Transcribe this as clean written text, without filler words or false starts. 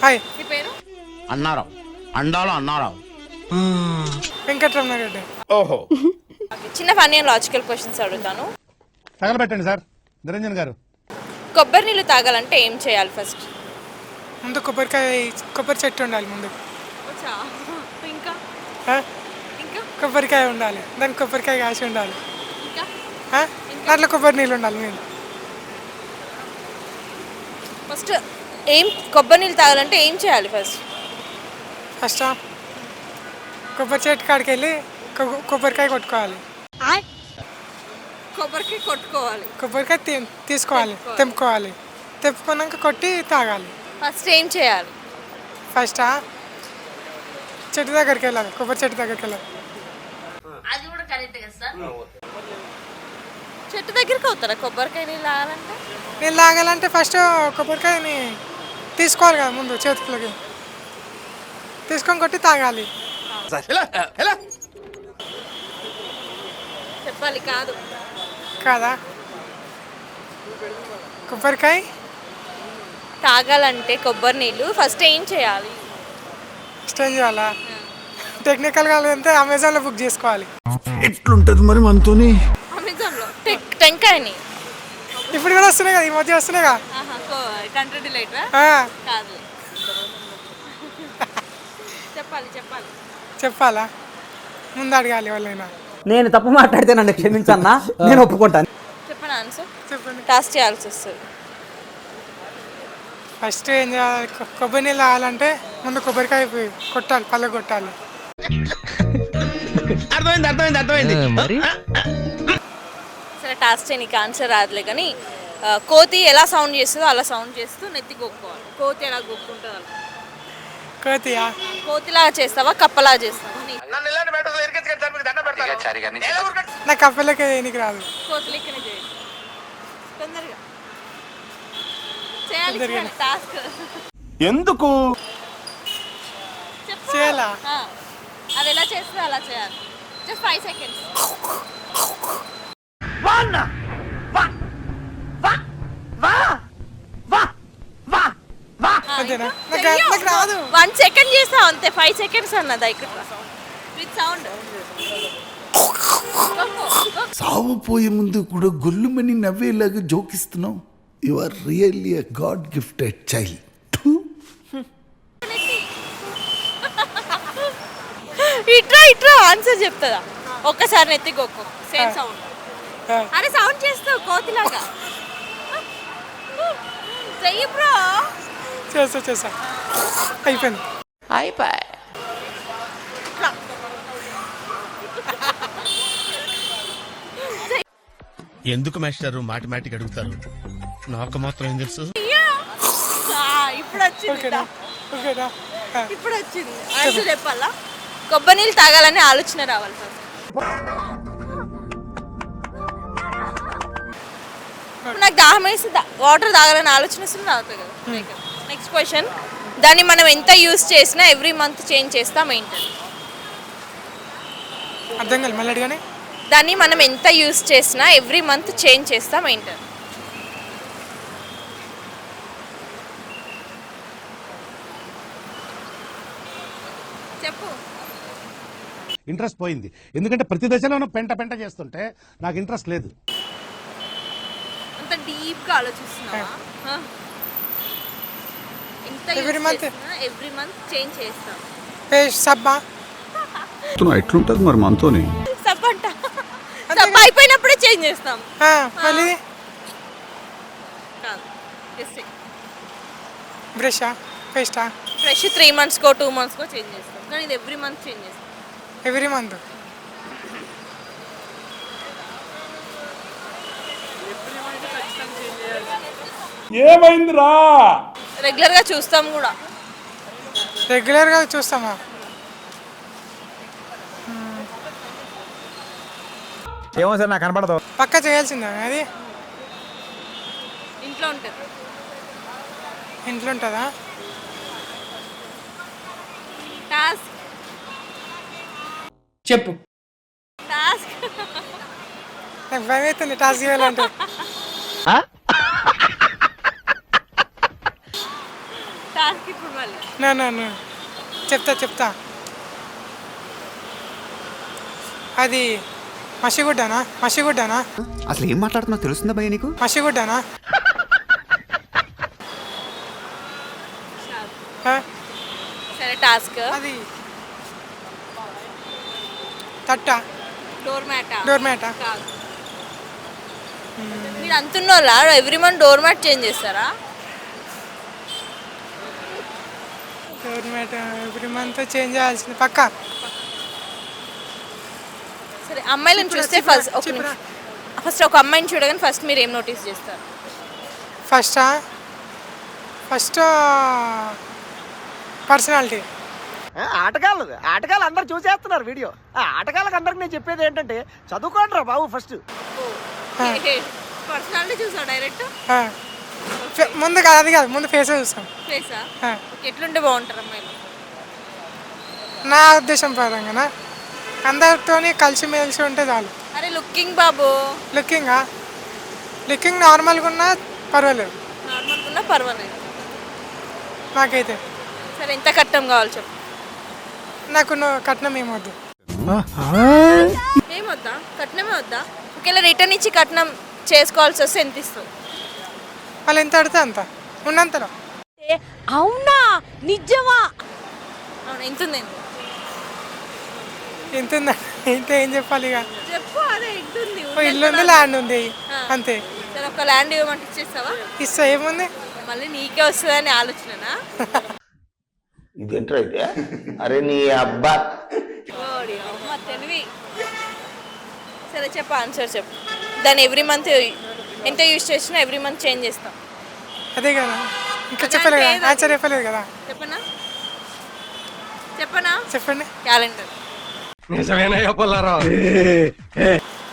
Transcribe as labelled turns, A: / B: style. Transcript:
A: Hi.
B: నీ పేరు?
C: అన్నారావు అండాలో అన్నారావు.
A: వెంకటరమణ రెడ్డి.
C: ఓహో.
B: చిన్న ఫన్నీ అండ్ లాజికల్ క్వశ్చన్స్ అడుగుతాను.
D: తగలబెట్టండి సార్ నిరంజన్ గారు.
B: కొబ్బరి నీళ్ళు తాగాలంటే ఏం చేయాలి ఫస్ట్?
A: ముందు కొబ్బరి చెట్టు ఉండాలి ముందు.
B: ఇంకా
A: ఆ?
B: ఇంకా
A: కొబ్బరికాయ ఉండాలి, దానికి కొబ్బరికాయ కాసి ఉండాలి.
B: ఇంకా
A: ఆ? దాంట్లో కొబ్బరి నీళ్ళు ఉండాలి మెయిన్.
B: ఫస్ట్ కొబ్బరి నీళ్ళు తాగాలంటే ఏం చేయాలి ఫస్ట్?
A: ఫస్ట్ కొబ్బరి చెట్టు కాడికి వెళ్ళి కొబ్బరికాయ కొట్టుకోవాలి.
B: కొబ్బరికి కొట్టుకోవాలి.
A: కొబ్బరికాయ తీసుకోవాలి, తెంపుకోవాలి. తెంపుకున్నాక కొట్టి తాగాలి.
B: ఫస్ట్ ఏం చేయాలి?
A: ఫస్ట్ చెట్టు దగ్గరికి వెళ్ళాలి, కొబ్బరి చెట్టు దగ్గరికి వెళ్ళాలి.
B: అది కూడా కరెక్ట్ కదా సార్. చెట్టు దగ్గరికి అవుతారా కొబ్బరికాయ నీళ్ళు తాగాలంటే?
A: నీళ్ళు తాగాలంటే ఫస్ట్ కొబ్బరికాయని తీసుకోవాలి కదా, ముందు చేతులకి తీసుకొని కొట్టి తాగాలి.
B: చెప్పాలి కాదు
A: కాదా? కొబ్బరికాయ
B: తాగాలంటే కొబ్బరి నీళ్ళు ఫస్ట్ ఏం చేయాలి?
A: స్టేజ్ చేయాలా? టెక్నికల్గా అంటే అమెజాన్లో బుక్ చేసుకోవాలి.
D: ఎట్లుంటది మరి మనతోని?
B: అమెజాన్లో టెంకాయని
A: ఇప్పుడు కూడా వస్తున్నాయి కదా, ఈ మధ్య వస్తున్నాయి కదా.
B: కంట్రీ డిలైట్ కాదు. చెప్పాలి
A: చెప్పాలా? ముందు అడగాలి వాళ్ళైనా.
E: నేను తప్పు మాట్లాడితే నన్ను క్షమించన్నా, నేను ఒప్పుకుంటాను.
B: చెప్పండి ఆన్సర్.
A: చెప్పండి.
B: టాస్ చేయాల్సి వస్తుంది.
A: ఫస్ట్ ఏం చేయాలి? కొబ్బరి నీళ్ళు తాగాలంటే ముందు కొబ్బరికాయ కొట్టాలి, పళ్ళ కొట్టాలి.
C: అర్థమైంది.
B: సరే టాస్ చేయడానికి ఆన్సర్ రాదులే కానీ కోతి ఎలా సౌండ్ చేస్తుందో అలా సౌండ్ చేస్తూ నెత్తి గొక్కోవాలి. కోతి ఎలా గొక్కుంటుందో అలా.
A: కోతియా?
B: కోతిలాగా చేస్తావా కప్పలాగా చేస్తావా?
A: నాకు కప్పలకి వేయనికి రాదు.
B: కోతి లెక్కనే చేయాలి. తొందరగా చేయాలి టాస్క్.
C: ఎందుకు
A: చేయాలా?
B: అది ఎలా చేస్తే అలా చేయాలి. Just 5 seconds.
A: అంతేనా? నాకు రాదు.
B: 1 second చేస్తావు అంతే. 5 seconds అన్నది ఇక్కడ విత్ సౌండ్.
F: సావు పోయే ముందు కూడా గొల్లుమని నవ్వేలాగా జోకిస్తున్నావు. You are really a god gifted child.
B: ఇట్రా ఆన్సర్ చెప్తుందా? ఒక్కసారి నెత్తి గొక్కు. Same sound. అరే సౌండ్ చేస్తావు కోతిలాగా. చెయ్యి బ్రో.
A: చేసా అయిపోయింది.
C: ఎందుకు మాస్టర్ మాటిమాటికి అడుగుతారు? నాకు మాత్రం ఏం తెలుసు.
B: ఇప్పుడు వచ్చింది.
A: ఓకేనా?
B: ఇప్పుడు వచ్చింది. ఆన్సర్ చెప్పాలా? కొబ్బరి నీళ్ళు తాగాలని ఆలోచన రావాలి ఫస్ట్. నాకు దాహం వేసి వాటర్ తాగాలని ఆలోచన వస్తుంది, తాగుతుంది కదా. Next question. దాన్ని మనం ఎంత యూస్ చేసినా ఎవ్రీ మంత్ చేంజ్ చేస్తాం ఏంటి?
A: అర్థం కాదు, మళ్ళీ అడిగానే.
B: దాన్ని మనం ఎంత యూస్ చేసినా ఎవ్రీ మంత్ చేంజ్ చేస్తాం ఏంటి? చెప్పు.
D: ఇంట్రెస్ట్ పోయింది, ఎందుకంటే ప్రతి దశలోనూ పెంట చేస్తుంటే నాకు ఇంట్రెస్ట్ లేదు.
B: అంత డీప్ గా ఆలోచిస్తున్నావా?
A: ఎవ్రీ మంత్
B: చేంజ్ చేస్తాం.
A: సబ్బా
F: ఎట్లుంటది మరి మనతోని?
B: సబ్ అంట. సబ్ అయిపోయినప్పుడే చేంజ్ చేస్తాం.
A: మళ్ళీ
B: కాదు.
A: బ్రషా, పేస్టా?
B: ఫ్రెష్ 3 months-కో 2 months-కో చేంజ్ చేస్తాం, కానీ ఇది ఎవ్రీ మంత్ చేంజ్ చేస్తాం.
A: Every month.
C: ఏమైందిరా?
B: రెగ్యులర్ గా చూస్తాం కూడా.
A: రెగ్యులర్గా చూస్తామా?
E: ఏమో సార్ నాకు కనపడదు.
A: పక్క చేయాల్సిందా అది?
B: ఇంట్లో ఉంటుంది.
A: ఇంట్లో ఉంటుందా?
B: టాస్క్
E: చెప్పు.
B: టాస్క్
A: నాకు భయం అవుతుంది టాస్క్ చేయాలంటే.
B: టాస్క్ ఇప్పుడు మళ్ళీ
A: నా చెప్తా అది మసిగుడ్డనా
G: అసలు ఏం మాట్లాడుతున్నావు తెలుస్తుందా భయ్య నీకు?
A: మసిగుడ్డనా
B: సరే టాస్క్.
A: అది తట్ట
B: డోర్
A: మ్యాటా
B: కాదు. మీరు అంటున్నారా every month door mat change చేస్తారా?
A: Door mat every month change చేయాల్సింది పక్కా.
B: సరే అమ్మాయిలను చూస్తే ఫస్ట్ ఒక అమ్మాయిని చూడగానే ఫస్ట్ మీరు ఏం నోటీస్ చేస్తారు?
A: First personality.
H: ఆటగాళ్ళు అందరు చూసేస్తున్నారు వీడియో. ఆటగాళ్ళకి అందరికి నేను చెప్పేది ఏంటంటే చదువుకోండి రా బాబు ఫస్ట్.
B: పర్సనాలిటీ చూసా డైరెక్ట్?
A: ముందు కాదు అది కాదు, ముందు ఫేస్ చూస్తాం.
B: ఫేసా? ఎట్లుంటే బాగుంటారు అమ్మాయిలు?
A: నా ఉద్దేశం పరంగా అందరితోని కలిసిమెలిసి ఉంటే చాలు.
B: అరే లుకింగ్ బాబు.
A: లుకింగ్ నార్మల్గా ఉన్నా పర్వాలేదు,
B: నార్మల్గా ఉన్నా పర్వాలేదు
A: నాకైతే.
B: సరే ఎంత కట్నం కావాలి చెప్పు?
A: నాకు కట్నం ఏమొద్దు.
B: ఏమొద్దా? కట్నమే వద్దా? ఒకవేళ రిటర్న్ ఇచ్చి కట్నం చేసుకోవాల్సి వస్తే ఎంత ఇస్తావు?
A: వాళ్ళు ఎంత అడితే అంత ఉన్నంతలో.
B: అవునా? నిజమా? అవునా? ఎంత ఉంది?
A: ఎంత ఉందా? ఇంత ఏం చెప్పాలి ఇక?
B: చెప్పు. అదే ఎంత ఉంది?
A: ఇల్లు ఉంది, ల్యాండ్ ఉంది, అంతే.
B: సరే ఒక ల్యాండ్ ఇవ్వమంటే ఇచ్చేస్తావా?
A: ఇస్తా, ఏముంది.
B: మళ్ళీ నీకే వస్తుందని ఆలోచననా?
I: ఇదేంట్రా అయితే? అరే నీ అబ్బా
B: ఓడి అమ్మ తెలివి. సరే చెప్పు, ఆన్సర్ చెప్పు. దాన్ని ఎవ్రీ మంత్ ఎంత యూజ్ చేసినా ఎవ్రీ మంత్ చేంజ్ చేస్తాం.
A: అదే కదా, ఇంకా చెప్పలేదు కదా, ఆన్సర్ చెప్పలేదు కదా.
B: చెప్పనా?
A: చెప్పండి.
B: క్యాలెండర్.
C: నిజమేనా పుల్లారావు?